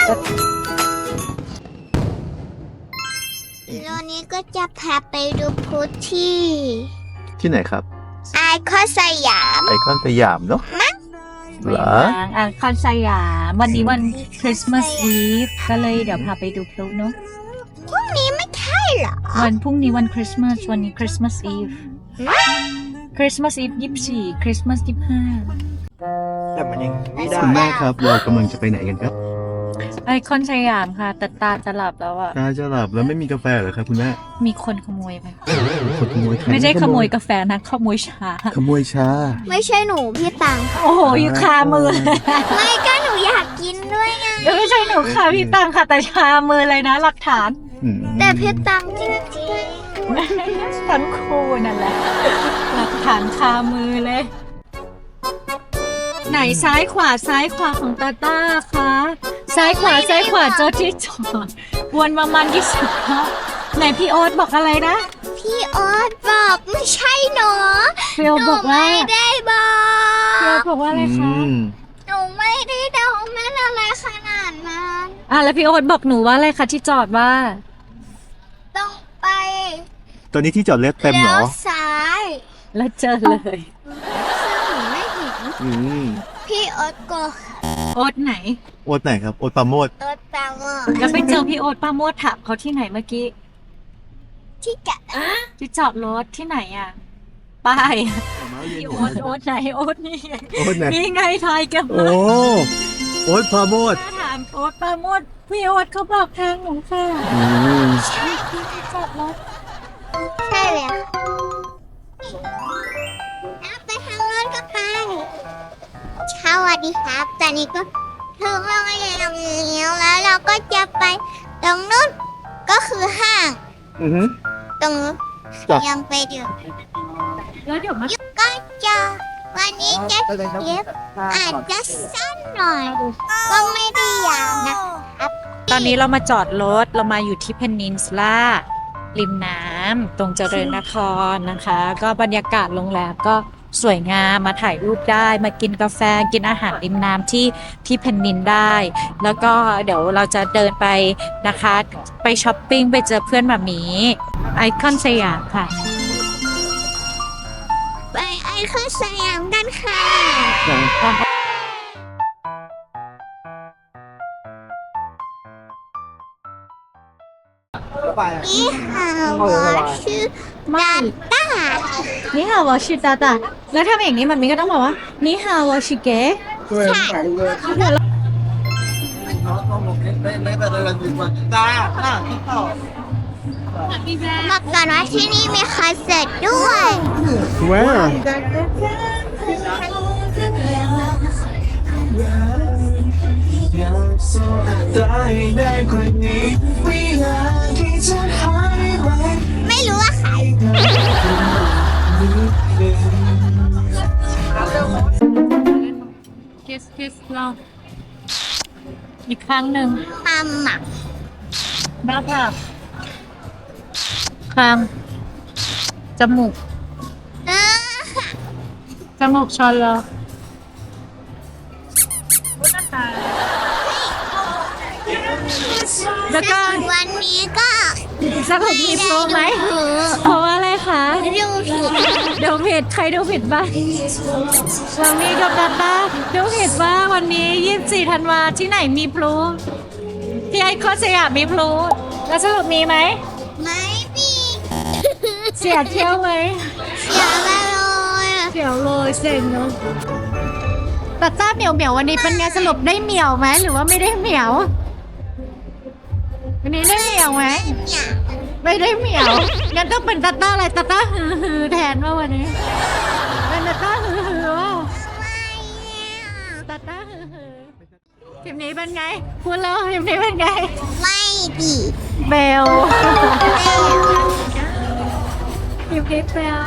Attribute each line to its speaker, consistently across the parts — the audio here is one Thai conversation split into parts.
Speaker 1: แล้วนี้ก็จะพาไปดูพุธที่
Speaker 2: ไหนครับ
Speaker 1: ไอคอนสยาม
Speaker 2: ไอคอนสยามเนาะเหรอ
Speaker 3: ไอคอนสยามวันนี้วันคริสต์มาสอีฟก็เลยเดี๋ยวพาไปดูพลุเนาะ
Speaker 1: พรุ่งนี้ไม่ใช่เหรอ
Speaker 3: วันพรุ่งนี้วันคริสต์มาสวันนี้คริสต์มาสอีฟคริสต์มาสอีฟ24คริสต์มาส25
Speaker 4: แต่มันยังไม่ได้
Speaker 2: คุณแม่ครับเรากำลังจะไปไหนกันครับ
Speaker 3: ไอคอนสยามค่ะแต่ตาจะหลับแล้วอะ
Speaker 2: ตาจะหลับแล้วไม่มีกาแฟเหรอครับคุณแม่
Speaker 3: มีคนขโมยไป
Speaker 2: คนขโมยใคร
Speaker 3: ไม่ใช่ขโมยกาแฟนะขโมยชา
Speaker 2: ขโมยชา
Speaker 1: ไม่ใช่หนูพี่ตังค่ะ
Speaker 3: โอ้โหอยู่คามือ
Speaker 1: ไม่ก็หนูอยากกินด้วยไง
Speaker 3: ไม่ใช่หนูค่ะพี่ตังค่ะแต่ชามือเลยนะหลักฐาน
Speaker 1: แต่พี่ตังจริง
Speaker 3: ทั้งคู่นั่นแหละหลักฐานคามือเลย ไหนซ้ายขวาของตาต้าคะซ้ายขวาเจอที่จอดวนประมาณ20 รอบไหนพี่โอ๊ตบอกอะไรนะ
Speaker 1: ๆพี่โอ๊ตบอกไม่ใช่หนู
Speaker 3: พี่โอ๊ต
Speaker 1: หนู
Speaker 3: บอกว่า
Speaker 1: ไม่ได้บอก
Speaker 3: พี่โอ๊ตบอกว่าอะไรคะ
Speaker 1: หนูไม่ได้เดาแม่นอะไรขนาดนั้น
Speaker 3: แล้วพี่โอ๊ตบอกหนูว่าอะไรคะที่จอดว่า
Speaker 1: ต้องไป
Speaker 2: ตอนนี้ที่จอดรถเต็มเหร
Speaker 1: แล้
Speaker 2: อ
Speaker 1: วซ้าย
Speaker 3: แล้วเจอเลย
Speaker 1: ซึ่งหนูไม่เห็น
Speaker 2: อืม
Speaker 1: พี่โอ๊ตโกหก
Speaker 3: โอ๊ตไหน
Speaker 2: โอ๊ตไหนครับโอ๊ตปราโมด
Speaker 1: โอ๊ตแปลว่า
Speaker 3: แล้วไปเจอพี่โอ๊ตป้าโมดถามเขาที่ไหนเมื่อกี้
Speaker 1: ที่จะ
Speaker 3: ที่จอดรถที่ไหนอ่ะป้ายพี่โอ๊ตไหนโอ๊ตนี่ไง
Speaker 2: โอ๊ตไหน
Speaker 3: นี่ไงทายกัน
Speaker 2: โอ้โอ๊ตปราโมด
Speaker 3: ถ้าถามโอ๊ตป้าโมดพี่โอ๊ตเขาบอกทางหนูค่ะ
Speaker 1: ใช่
Speaker 3: ที่จอดรถ
Speaker 1: ใช่เลยค่ะเอาไปทางโน้นก็ไปสวัสดีครับตอนนี้ก็ถึงโรงเรียนแล้วเราก็จะไปตรงนู้นก็คือห้าง
Speaker 2: อือฮึ
Speaker 1: ตรงนู้น
Speaker 2: จ้ะ
Speaker 1: ยังไปดู
Speaker 3: แล้วเดี๋ยวมา
Speaker 1: ก็จะวันนี้จะเก็บอาจจะสั้นหน่อย ก็ไม่ได้ยาวนะครับ
Speaker 3: ตอนนี้เรามาจอดรถเรามาอยู่ที่เพนินซูล่าริมน้ำตรงเจริญนครนะคะ ก็บรรยากาศโรงแรมก็สวยงามมาถ่ายรูปได้มากินกาแฟกินอาหารริมน้ำที่เพนนินได้ แล้วก็เดี๋ยวเราจะเดินไปนะคะไปช้อปปิ้งไปเจอเพื่อนหมามีไอคอนสยามค่ะ
Speaker 1: ไปไอคอนสยามกันค่ะนี่ค่ะว่าชื่อดาต้า
Speaker 3: นี่ฮาวาชิตาตาแล้วถ้าอย่างนี้มันมีก็ต้องบอกว่านี่ฮาวาชิเกะ
Speaker 1: บอกก่อนว่าที่นี่มีคอนเสิร์ตด้วย
Speaker 2: Where
Speaker 1: ไม่รู้ว่าใคร
Speaker 3: คิสเราอีกครั้งหนึ่ง
Speaker 1: ความหมัก
Speaker 3: หน้าผากคางจมูก
Speaker 1: เออ
Speaker 3: จมูกชอนเราแล้วก็
Speaker 1: วันนี้ก็
Speaker 3: สรุปมีโปรไหม
Speaker 1: ดู
Speaker 3: เพราะว่าอะไรคะ
Speaker 1: ผิด
Speaker 3: เดี๋ยวผิดใครดูผิดบ้างวันนี้กับตาตาดูผิดว่าวันนี้24 ธันวาที่ไหนมีพลุที่ไอคอนสยามมีพลุแล้วสรุปมีไหม
Speaker 1: ไม่มี
Speaker 3: เสียเที่ยวไหม
Speaker 1: เสียไปเลย
Speaker 3: เดี๋ยวเลยเซ็งเนาะแต่ต้าเหมียววันนี้เป็นไงสรุปได้เหมียวไหมหรือว่าไม่ได้เหมียววันนี้ได้เหมียวไหม
Speaker 1: เนี่ย
Speaker 3: ไม่ได้เหมียวงั้นต้องเป็นตาต้าอะไรตาต้าฮือแทนว่าวันนี้เป็นตาต้าฮือว่า
Speaker 1: ไม่เนี่ย
Speaker 3: ตาต้าฮือทีมนี้เป็นไงพูดแล้วทีมนี้เป็นไง
Speaker 1: ไม่ดี
Speaker 3: เบล
Speaker 1: แล้ว
Speaker 3: ทีมนี้เบล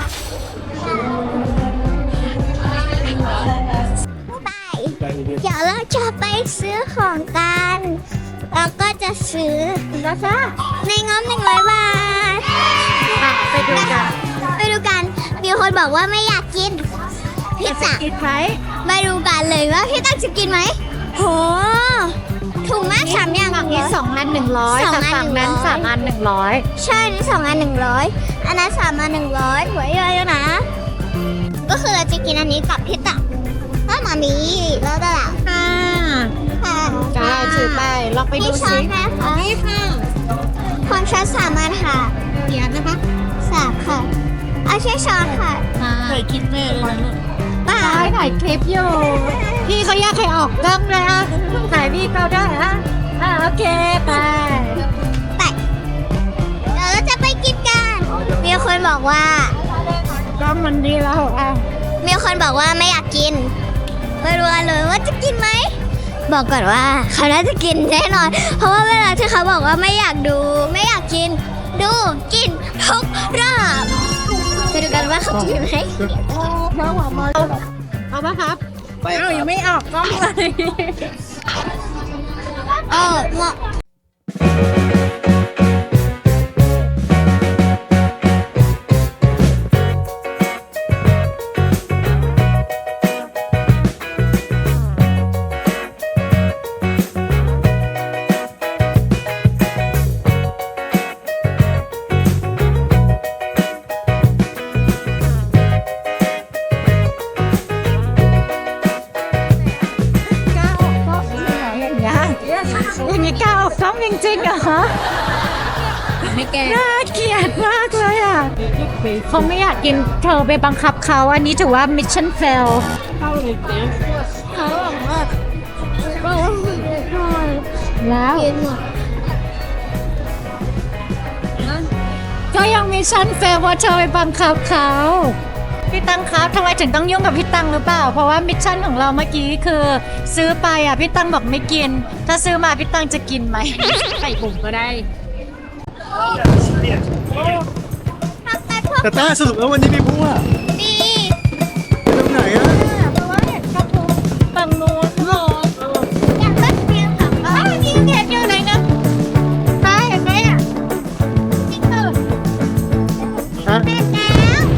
Speaker 1: ไปเดี๋ยวเราจะไปซื้อของกันแล้วก็จะซื้อ
Speaker 3: นะคะ
Speaker 1: ในงบ100 บาท
Speaker 3: ไปดูกัน
Speaker 1: ไปดูกัน มีคนบอกว่าไม่อยากกินพิซซ่า
Speaker 3: กินไหม
Speaker 1: ไปดูกันเลยว่าพี่ตั้งจะกินไหมโหถูกมาก3อย่าง
Speaker 3: ฝั่งนี้2 อัน 100
Speaker 1: สอง
Speaker 3: แต่
Speaker 1: อัน
Speaker 3: ฝั่งนั้น
Speaker 1: 100
Speaker 3: 3 อัน 100
Speaker 1: ใช่นี่2 อัน 100อันนั้น3 อัน 100หัวเยอะๆนะ ก็คือเราจะกินอันนี้กับพี่ตักถ้ามามีแล้วก็ล่ะ
Speaker 3: ค่ะ
Speaker 1: ค่ะ
Speaker 3: จ้าถือไปลองไปดู
Speaker 1: นี่ช้อ
Speaker 3: สิ
Speaker 1: นนะคะ
Speaker 3: นี่ค่ะ
Speaker 1: ความช้อน3 อันค่ะ
Speaker 3: เขียนนะคะ
Speaker 1: 3ค่ะเอาใช้ช้อนค่ะ
Speaker 3: เคยคิดแม่เลยนะ
Speaker 1: ป้า
Speaker 3: ถ่ายคลิปอยู่ พี่เขาอยากให้ออกกล้องเลยอ่ะถ่ายพี่เขาได้ฮะโอเคไป
Speaker 1: ไปเดี๋ยวเราจะไปกินกัน มีคนบอกว่า
Speaker 3: กล้องมันดีแล้วอ่ะ
Speaker 1: มีคนบอกว่าไม่อยากกินไม่รู้เลยว่าจะกินไหม บอกก่อนว่าเขาน่าจะกินแน่นอน เพราะว่าเวลาที่เขาบอกว่าไม่อยากดู ไม่อยากกิน ดูกินทุกรอบจะดูกันว่าเขากินไหม
Speaker 3: เอาปะครับเอายังไม่ออกกล้องเลย
Speaker 1: เหมาะ
Speaker 3: อย่างนี้กล้าออกกล้องจริงๆเหรอคะไม่แกน่าเกลียดมากเลยอ่ะเขาไม่อยากกินเธอไปบังคับเขาอันนี้ถือว่า mission fail แล้ว
Speaker 1: กินหมด
Speaker 3: ก็ยัง mission fail เพราะเธอไปบังคับเขาพี่ตังครับทำไมถึงต้องยุ่งกับพี่ตังหรือเปล่า เพราะว่ามิชชั่นของเราเมื่อกี้คือซื้อไปอ่ะพี่ตังบอกไม่กิน ถ้าซื้อมาพี่ตังจะกินไหม ใส่ถุงก็ได้
Speaker 1: ทำไปพวก
Speaker 2: แต่ต้าสรุปแล้ววันนี้มีผู้อ่ะ
Speaker 1: นี้
Speaker 2: ไปตรงไหนอ่ะ
Speaker 3: เพราะว่าเห็นกระพุ้งฝั่งนู้นหรอ
Speaker 1: อยากก็เรียนค่ะ
Speaker 3: อ้าวนี่เห็นอยู่ไหนนะใช่เห็นไหมอ่ะ
Speaker 1: จริงเหรอ
Speaker 2: ฮะ
Speaker 1: แม่แล้ว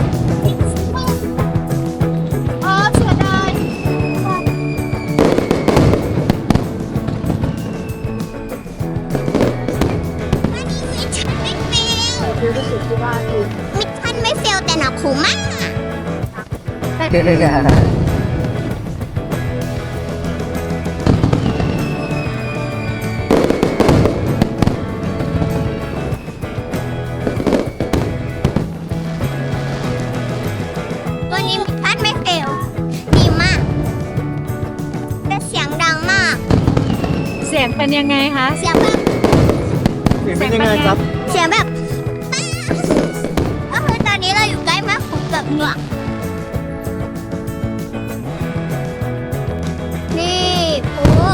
Speaker 3: อ๋อเสียดาย
Speaker 1: วันนี้มิชชั่นไม่เฟลมิชชั่นไม่เฟลแต่หนักหูมาก วันนี้มิชชั่นไม่เฟลดีมากแต่เสียงดังมาก
Speaker 3: เสียงเป็นยังไงคะ
Speaker 1: เสียงแบบ
Speaker 2: เสียงเป็นยังไงครับ
Speaker 1: เสียงแบบป๊าก็คือตอนนี้เราอยู่ใกล้แม่ขุนกับเหงือกนี่ปู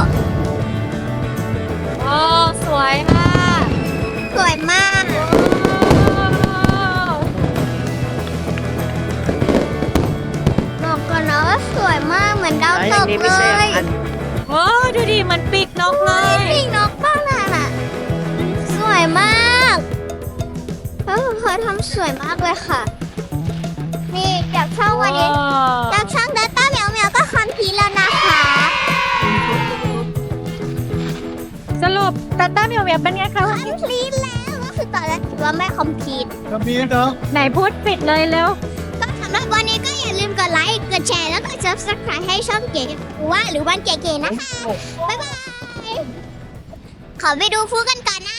Speaker 3: โอ้สวยมาก
Speaker 1: สวยมาก บอกก่อนนะว่าสวยมากเหมือนดาวตกเลย
Speaker 3: โอ้ดูดิมันปีกนกเลย
Speaker 1: ปีกนกบ้างน่ะสวยมากเขาทำสวยมากเลยค่ะ นี่จากช่องวันนี้จากช่องดัตต้าเหมียวเหมียวก็คอมพลีทแล้วนะคะ
Speaker 3: สรุปตัตต้าเมียวเมียวเป็นไงคะ
Speaker 1: คอมพลีทแล้วก็คือตอนแรกคิดว่าไม่คอมพลีท
Speaker 2: ครับพี่เนาะ
Speaker 3: ไหนพูดปิดเลยเร็ว
Speaker 1: ก็สำหรับวันนี้ก็อย่าลืมกดไลค์ กดแชร์ แล้วก็ subscribe ให้ช่องเก๋ว่าหรือวันเก๋ๆนะคะ บ๊ายบาย ขอไปดูฟูกันก่อนนะ